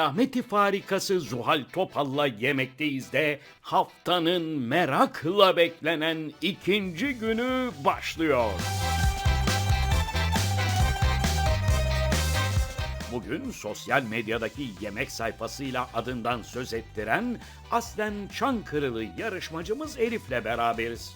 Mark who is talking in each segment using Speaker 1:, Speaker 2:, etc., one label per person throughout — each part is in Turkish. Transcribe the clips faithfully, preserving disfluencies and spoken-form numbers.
Speaker 1: alameti farikası Zuhal Topal'la yemekteyiz de haftanın merakla beklenen ikinci günü başlıyor. Bugün sosyal medyadaki yemek sayfasıyla adından söz ettiren aslen Çankırılı yarışmacımız Elif'le beraberiz.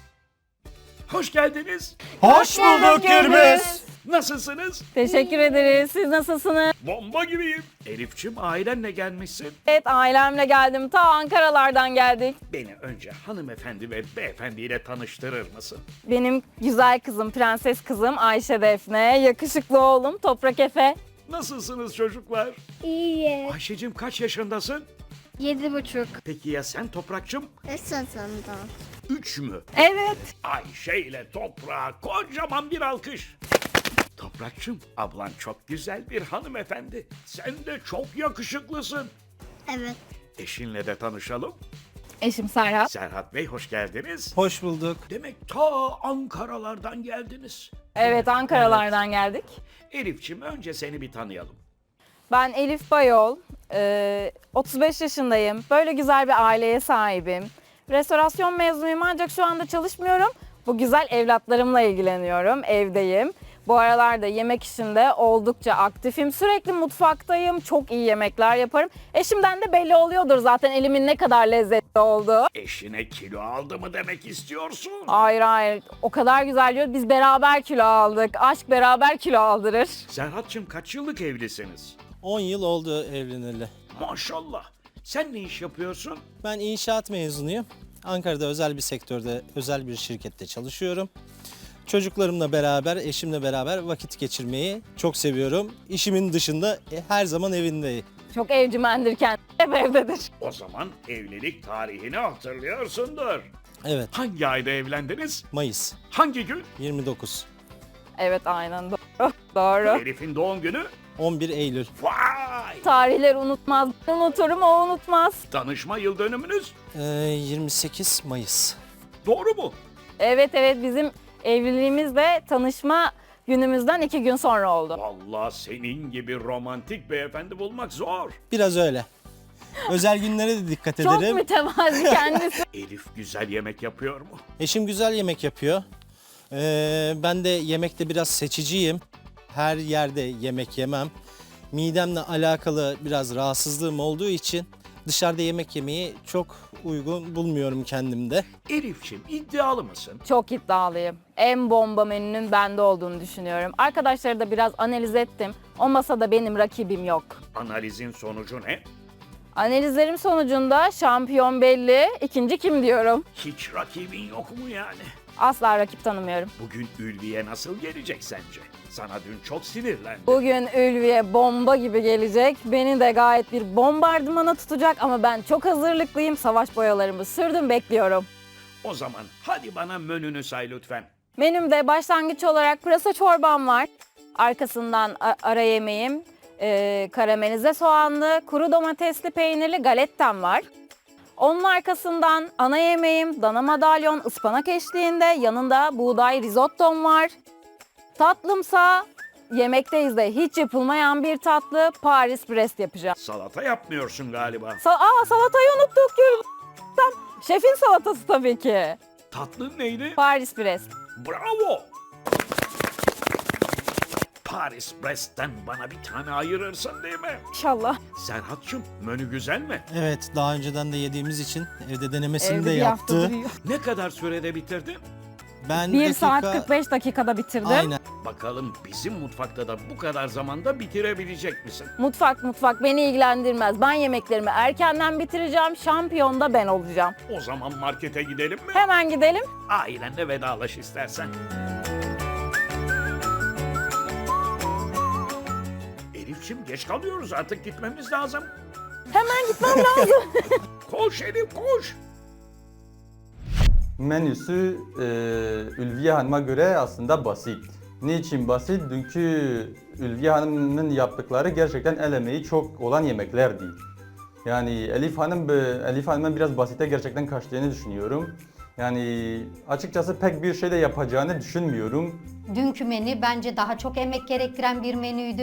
Speaker 1: Hoş geldiniz.
Speaker 2: Hoş bulduk Gürbüz.
Speaker 1: Nasılsınız?
Speaker 3: Teşekkür ederiz. Siz nasılsınız?
Speaker 1: Bomba gibiyim. Elif'ciğim ailenle gelmişsin.
Speaker 3: Evet, ailemle geldim. Ta Ankaralardan geldik.
Speaker 1: Beni önce hanımefendi ve beyefendiyle tanıştırır mısın?
Speaker 3: Benim güzel kızım, prenses kızım Ayşe Defne. Yakışıklı oğlum Toprak Efe.
Speaker 1: Nasılsınız çocuklar?
Speaker 4: İyi.
Speaker 1: Ayşe'cim kaç yaşındasın?
Speaker 4: Yedi buçuk.
Speaker 1: Peki ya sen Toprak'cığım?
Speaker 4: Esasında.
Speaker 1: Üç mü?
Speaker 3: Evet.
Speaker 1: Ayşe ile Toprak'a kocaman bir alkış. Toprak'cığım ablan çok güzel bir hanımefendi. Sen de çok yakışıklısın.
Speaker 4: Evet.
Speaker 1: Eşinle de tanışalım.
Speaker 3: Eşim Serhat.
Speaker 1: Serhat Bey hoş geldiniz.
Speaker 2: Hoş bulduk.
Speaker 1: Demek ta Ankaralardan geldiniz.
Speaker 3: Evet, Ankaralardan geldik.
Speaker 1: Elif'ciğim önce seni bir tanıyalım.
Speaker 3: Ben Elif Bayol. Ee, otuz beş yaşındayım. Böyle güzel bir aileye sahibim. Restorasyon mezunuyum ancak şu anda çalışmıyorum. Bu güzel evlatlarımla ilgileniyorum. Evdeyim. Bu aralarda yemek işinde oldukça aktifim. Sürekli mutfaktayım. Çok iyi yemekler yaparım. Eşimden de belli oluyordur zaten elimin ne kadar lezzetli olduğu.
Speaker 1: Eşine kilo aldı mı demek istiyorsun?
Speaker 3: Hayır hayır. O kadar güzel diyor. Biz beraber kilo aldık. Aşk beraber kilo aldırır.
Speaker 1: Serhat'cığım kaç yıllık evlisiniz?
Speaker 2: on yıl oldu evleneli.
Speaker 1: Maşallah. Sen ne iş yapıyorsun?
Speaker 2: Ben inşaat mezunuyum. Ankara'da özel bir sektörde, özel bir şirkette çalışıyorum. Çocuklarımla beraber, eşimle beraber vakit geçirmeyi çok seviyorum. İşimin dışında e, her zaman evindeyim.
Speaker 3: Çok evcimendir kendisi. Hep evdedir.
Speaker 1: O zaman evlilik tarihini hatırlıyorsundur.
Speaker 2: Evet,
Speaker 1: Hangi ayda evlendiniz?
Speaker 2: Mayıs
Speaker 1: Hangi gün?
Speaker 2: yirmi dokuz,
Speaker 3: Evet aynen doğru. Doğru.
Speaker 1: Elif'in doğum günü?
Speaker 2: on bir Eylül.
Speaker 1: Vay!
Speaker 3: Tarihleri unutmaz. Ben unuturum, o unutmaz.
Speaker 1: Tanışma yıl dönümünüz?
Speaker 2: Ee, yirmi sekiz Mayıs.
Speaker 1: Doğru mu?
Speaker 3: Evet evet, bizim evliliğimiz de tanışma günümüzden iki gün sonra oldu.
Speaker 1: Vallahi senin gibi romantik beyefendi bulmak zor.
Speaker 2: Biraz öyle. Özel günlere de dikkat
Speaker 3: Çok
Speaker 2: ederim.
Speaker 3: mütevazi kendisi.
Speaker 1: Elif güzel yemek yapıyor mu?
Speaker 2: Eşim güzel yemek yapıyor. Ee, ben de yemekte biraz seçiciyim. Her yerde yemek yemem. Midemle alakalı biraz rahatsızlığım olduğu için dışarıda yemek yemeyi çok uygun bulmuyorum kendimde.
Speaker 1: Elif'ciğim iddialı mısın?
Speaker 3: Çok iddialıyım. En bomba menünün bende olduğunu düşünüyorum. Arkadaşları da biraz analiz ettim. O masada benim rakibim yok.
Speaker 1: Analizin sonucu ne?
Speaker 3: Analizlerim sonucunda şampiyon belli, ikinci kim diyorum.
Speaker 1: Hiç rakibin yok mu yani?
Speaker 3: Asla rakip tanımıyorum.
Speaker 1: Bugün Ülviye nasıl gelecek sence? Sana dün çok sinirlendi.
Speaker 3: Bugün Ülviye bomba gibi gelecek. Beni de gayet bir bombardımana tutacak ama ben çok hazırlıklıyım. Savaş boyalarımı sürdüm, bekliyorum.
Speaker 1: O zaman hadi bana menünü say lütfen.
Speaker 3: Menümde başlangıç olarak pırasa çorbam var. Arkasından a- ara yemeğim e, karamelize soğanlı, kuru domatesli peynirli galettem var. Onun arkasından ana yemeğim dana madalyon ıspanak eşliğinde, yanında buğday risottom var. Tatlımsa yemekteyiz de hiç yapılmayan bir tatlı, Paris Brest yapacağım.
Speaker 1: Salata yapmıyorsun galiba.
Speaker 3: Sa- Aa, salatayı unuttuk. Gül. Şefin salatası tabii ki.
Speaker 1: Tatlın neydi?
Speaker 3: Paris Brest.
Speaker 1: Bravo! Paris Brest'ten bana bir tane ayırırsın değil mi?
Speaker 3: İnşallah.
Speaker 1: Serhat'cığım menü güzel mi?
Speaker 2: Evet, daha önceden de yediğimiz için evde denemesini
Speaker 3: Evde
Speaker 2: de
Speaker 3: bir hafta
Speaker 2: yaptı.
Speaker 3: duruyor.
Speaker 1: Ne kadar sürede bitirdin?
Speaker 2: Ben
Speaker 3: bir
Speaker 2: dakika...
Speaker 3: saat kırk beş dakikada bitirdim.
Speaker 2: Aynen.
Speaker 1: Bakalım bizim mutfakta da bu kadar zamanda bitirebilecek misin?
Speaker 3: Mutfak mutfak beni ilgilendirmez. Ben yemeklerimi erkenden bitireceğim. Şampiyon da ben olacağım.
Speaker 1: O zaman markete gidelim mi?
Speaker 3: Hemen gidelim.
Speaker 1: Ailenle vedalaş istersen. Elif'ciğim geç kalıyoruz artık gitmemiz lazım.
Speaker 3: Hemen gitmem lazım.
Speaker 1: Koş Elif koş.
Speaker 5: Menüsü e, Ülviye Hanım'a göre aslında basit. Niçin basit? Çünkü Ülviye Hanım'ın yaptıkları gerçekten el emeği çok olan yemeklerdi. Yani Elif Hanım, Elif Hanım'ın biraz basite gerçekten kaçtığını düşünüyorum. Yani açıkçası pek bir şey de yapacağını düşünmüyorum.
Speaker 6: Dünkü menü bence daha çok emek gerektiren bir menüydü.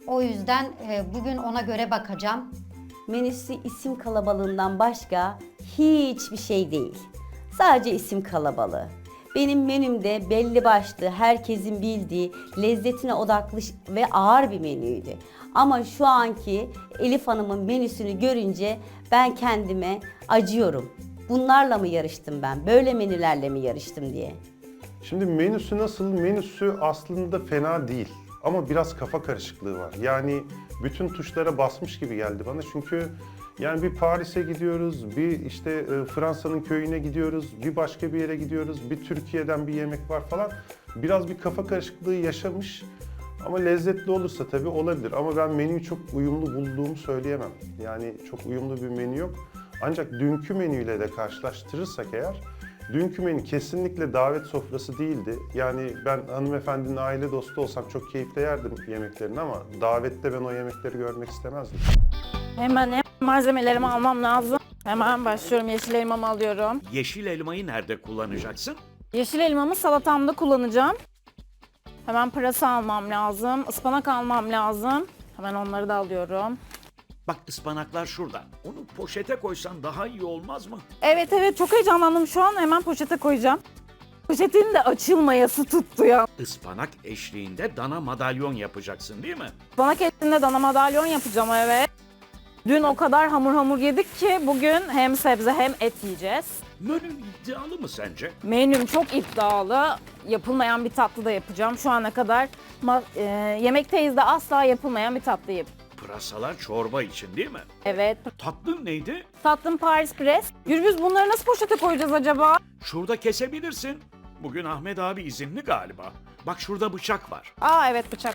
Speaker 6: O yüzden e, bugün ona göre bakacağım.
Speaker 7: Menüsü isim kalabalığından başka hiçbir şey değil. Sadece isim kalabalığı. Benim menümde belli başlı, herkesin bildiği, lezzetine odaklı ve ağır bir menüydü. Ama şu anki Elif Hanım'ın menüsünü görünce ben kendime acıyorum. Bunlarla mı yarıştım ben? Böyle menülerle mi yarıştım diye.
Speaker 8: Şimdi menüsü nasıl? Menüsü aslında fena değil. Ama biraz kafa karışıklığı var. Yani bütün tuşlara basmış gibi geldi bana. Çünkü yani bir Paris'e gidiyoruz, bir işte e, Fransa'nın köyüne gidiyoruz, bir başka bir yere gidiyoruz, bir Türkiye'den bir yemek var falan. Biraz bir kafa karışıklığı yaşamış. Ama lezzetli olursa tabii olabilir. Ama ben menüyü çok uyumlu bulduğumu söyleyemem. Yani çok uyumlu bir menü yok. Ancak dünkü menüyle de karşılaştırırsak eğer, dünkü menü kesinlikle davet sofrası değildi. Yani ben hanımefendinin aile dostu olsam çok keyifle yerdim yemeklerini ama davette ben o yemekleri görmek istemezdim.
Speaker 3: Hemen hem malzemelerimi almam lazım. Hemen başlıyorum. Yeşil elmamı alıyorum.
Speaker 1: Yeşil elmayı nerede kullanacaksın?
Speaker 3: Yeşil elmamı salatamda kullanacağım. Hemen pırasa almam lazım. Ispanak almam lazım. Hemen onları da alıyorum.
Speaker 1: Bak ıspanaklar şurada. Onu poşete koysan daha iyi olmaz mı?
Speaker 3: Evet evet çok heyecanlandım şu an. Hemen poşete koyacağım. Poşetin de açılmayası tuttu ya.
Speaker 1: Ispanak eşliğinde dana madalyon yapacaksın değil mi?
Speaker 3: Ispanak etinde dana madalyon yapacağım evet. Dün o kadar hamur hamur yedik ki bugün hem sebze hem et yiyeceğiz.
Speaker 1: Menü iddialı mı sence?
Speaker 3: Menüm çok iddialı. Yapılmayan bir tatlı da yapacağım. Şu ana kadar ma- e, yemekteyiz de asla yapılmayan bir tatlı yap.
Speaker 1: Pırasalar çorba için değil mi?
Speaker 3: Evet.
Speaker 1: Tatlın neydi?
Speaker 3: Tatlım Paris Press. Gürbüz bunları nasıl poşete koyacağız acaba?
Speaker 1: Şurada kesebilirsin. Bugün Ahmet abi izinli galiba. Bak şurada bıçak var.
Speaker 3: Aa evet bıçak.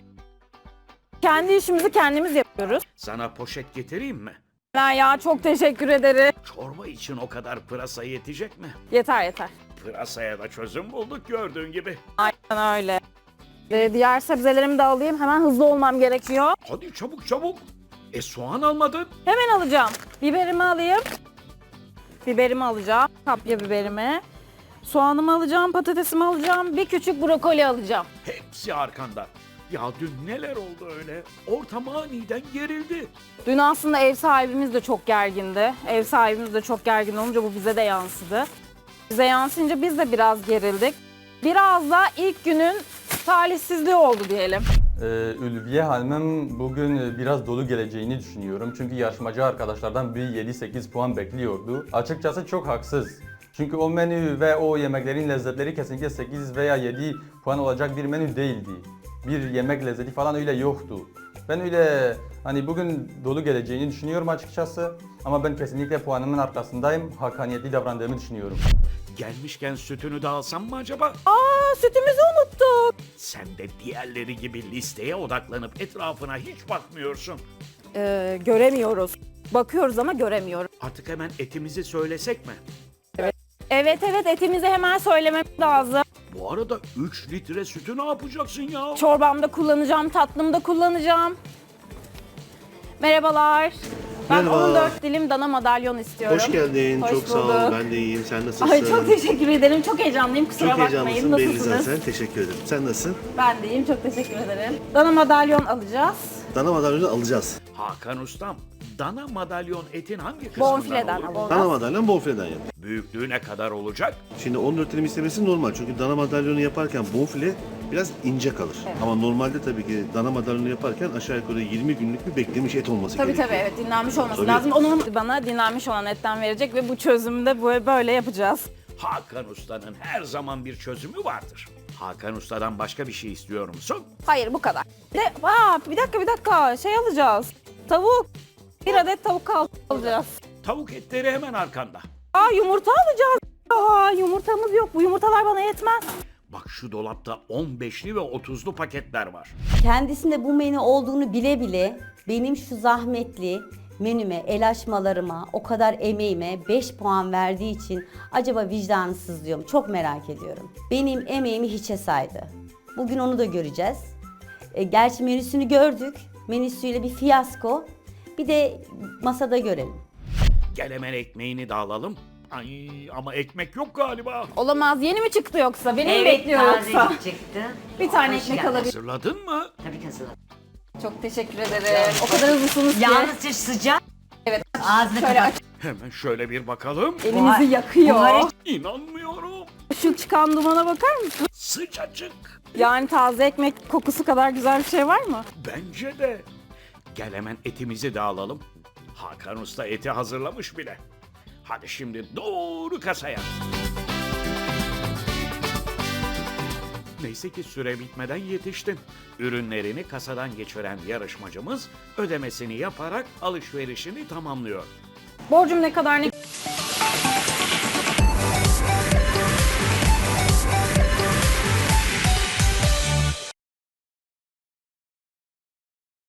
Speaker 3: Kendi işimizi kendimiz yapıyoruz.
Speaker 1: Sana poşet getireyim mi?
Speaker 3: Ya, ya çok teşekkür ederim.
Speaker 1: Çorba için o kadar pırasa yetecek mi?
Speaker 3: Yeter yeter.
Speaker 1: Pırasaya da çözüm bulduk gördüğün gibi.
Speaker 3: Aynen öyle. Ee, diğer sebzelerimi de alayım. Hemen hızlı olmam gerekiyor.
Speaker 1: Hadi çabuk çabuk. E soğan almadın.
Speaker 3: Hemen alacağım. Biberimi alayım. Biberimi alacağım. Kapya biberimi. Soğanımı alacağım, patatesimi alacağım. Bir küçük brokoli alacağım.
Speaker 1: Hepsi arkanda. Ya dün neler oldu öyle? Ortam aniden gerildi.
Speaker 3: Dün aslında ev sahibimiz de çok gergindi. Ev sahibimiz de çok gergin olunca bu bize de yansıdı. Bize yansıyınca biz de biraz gerildik. Biraz da ilk günün talihsizliği oldu diyelim.
Speaker 5: Ee, Ülviye Hanım'ın bugün biraz dolu geleceğini düşünüyorum. Çünkü yarışmacı arkadaşlardan bir yedi sekiz puan bekliyordu. Açıkçası çok haksız. Çünkü o menü ve o yemeklerin lezzetleri kesinlikle sekiz veya yedi puan olacak bir menü değildi. Bir yemek lezzeti falan öyle yoktu. Ben öyle hani bugün dolu geleceğini düşünüyorum açıkçası. Ama ben kesinlikle puanımın arkasındayım. Hakkaniyetli davrandığımı düşünüyorum.
Speaker 1: Gelmişken sütünü de alsam mı acaba?
Speaker 3: Aa sütümüzü unuttuk.
Speaker 1: Sen de diğerleri gibi listeye odaklanıp etrafına hiç bakmıyorsun.
Speaker 3: Ee, göremiyoruz. Bakıyoruz ama göremiyoruz.
Speaker 1: Artık hemen etimizi söylesek mi?
Speaker 3: Evet evet etimizi hemen söylememiz lazım.
Speaker 1: Bu arada üç litre sütü ne yapacaksın ya?
Speaker 3: Çorbamda kullanacağım, tatlımda kullanacağım. Merhabalar. Ben
Speaker 9: Merhaba.
Speaker 3: on dört dilim dana madalyon istiyorum.
Speaker 9: Hoş geldin.
Speaker 3: Hoş
Speaker 9: çok sağ ol.
Speaker 3: bulduk.
Speaker 9: Ben de iyiyim. Sen nasılsın?
Speaker 3: Ay çok teşekkür ederim. Çok heyecanlıyım. Kusura
Speaker 9: Çok
Speaker 3: bakmayın.
Speaker 9: heyecanlısın belli
Speaker 3: Nasılsınız?
Speaker 9: zaten. Teşekkür ederim. Sen nasılsın?
Speaker 3: Ben de iyiyim. Çok teşekkür ederim. Dana madalyon alacağız.
Speaker 9: Dana madalyonu alacağız.
Speaker 1: Hakan Ustam, dana madalyon etin hangi kısmından
Speaker 3: Bonfileden
Speaker 1: olur?
Speaker 3: alacağız.
Speaker 9: Dana madalyon bonfileden yap.
Speaker 1: Büyüklüğü ne kadar olacak?
Speaker 9: Şimdi on dört dilim istemesi normal. Çünkü dana madalyonu yaparken bonfile biraz ince kalır. Ama normalde tabii ki dana madalyonu yaparken aşağı yukarı yirmi günlük bir beklemiş et olması
Speaker 3: Tabii
Speaker 9: gerekiyor.
Speaker 3: tabii evet dinlenmiş olması
Speaker 9: Tabii.
Speaker 3: lazım. Onun bana dinlenmiş olan etten verecek ve bu çözümde böyle, böyle yapacağız.
Speaker 1: Hakan Usta'nın her zaman bir çözümü vardır. Hakan Usta'dan başka bir şey istiyor musun?
Speaker 3: Hayır bu kadar. De, aa, bir dakika bir dakika şey alacağız. Tavuk. Bir adet tavuk al- alacağız.
Speaker 1: Tavuk etleri hemen arkanda.
Speaker 3: Aa yumurta alacağız. Aa yumurtamız yok. Bu yumurtalar bana yetmez.
Speaker 1: Bak şu dolapta on beşli ve otuzlu paketler var.
Speaker 7: Kendisinde bu menü olduğunu bile bile benim şu zahmetli menüme, el açmalarıma, o kadar emeğime beş puan verdiği için acaba vicdanı sızlıyor mu? Çok merak ediyorum. Benim emeğimi hiçe saydı. Bugün onu da göreceğiz. E, gerçi menüsünü gördük. Menüsüyle bir fiyasko. Bir de masada görelim.
Speaker 1: Gel hemen ekmeğini de alalım. Ay ama ekmek yok galiba.
Speaker 3: Olamaz. Yeni mi çıktı yoksa? Beni mi
Speaker 10: Evet,
Speaker 3: bekliyor yoksa?
Speaker 10: tazecik çıktı.
Speaker 3: Bir tane
Speaker 10: Hoş
Speaker 3: ekmek
Speaker 10: geldin.
Speaker 3: alabilir.
Speaker 1: Hazırladın mı?
Speaker 10: Tabii ki hazırladım.
Speaker 3: Çok teşekkür ederim. O kadar hızlısınız ki.
Speaker 10: Yalnızca sıcak.
Speaker 3: Evet.
Speaker 10: Ağzını
Speaker 3: Şöyle
Speaker 10: kapat.
Speaker 3: aç.
Speaker 1: Hemen şöyle bir bakalım.
Speaker 3: Elinizi yakıyor.
Speaker 10: buhar-
Speaker 1: İnanmıyorum.
Speaker 3: Şu çıkan dumana bakar mısın?
Speaker 1: Sıcacık.
Speaker 3: Yani taze ekmek kokusu kadar güzel bir şey var mı?
Speaker 1: Bence de. Gel hemen etimizi de alalım. Hakan Usta eti hazırlamış bile. Hadi şimdi doğru kasaya. Neyse ki süre bitmeden yetiştin. Ürünlerini kasadan geçiren yarışmacımız ödemesini yaparak alışverişini tamamlıyor.
Speaker 3: Borcum ne kadar ne?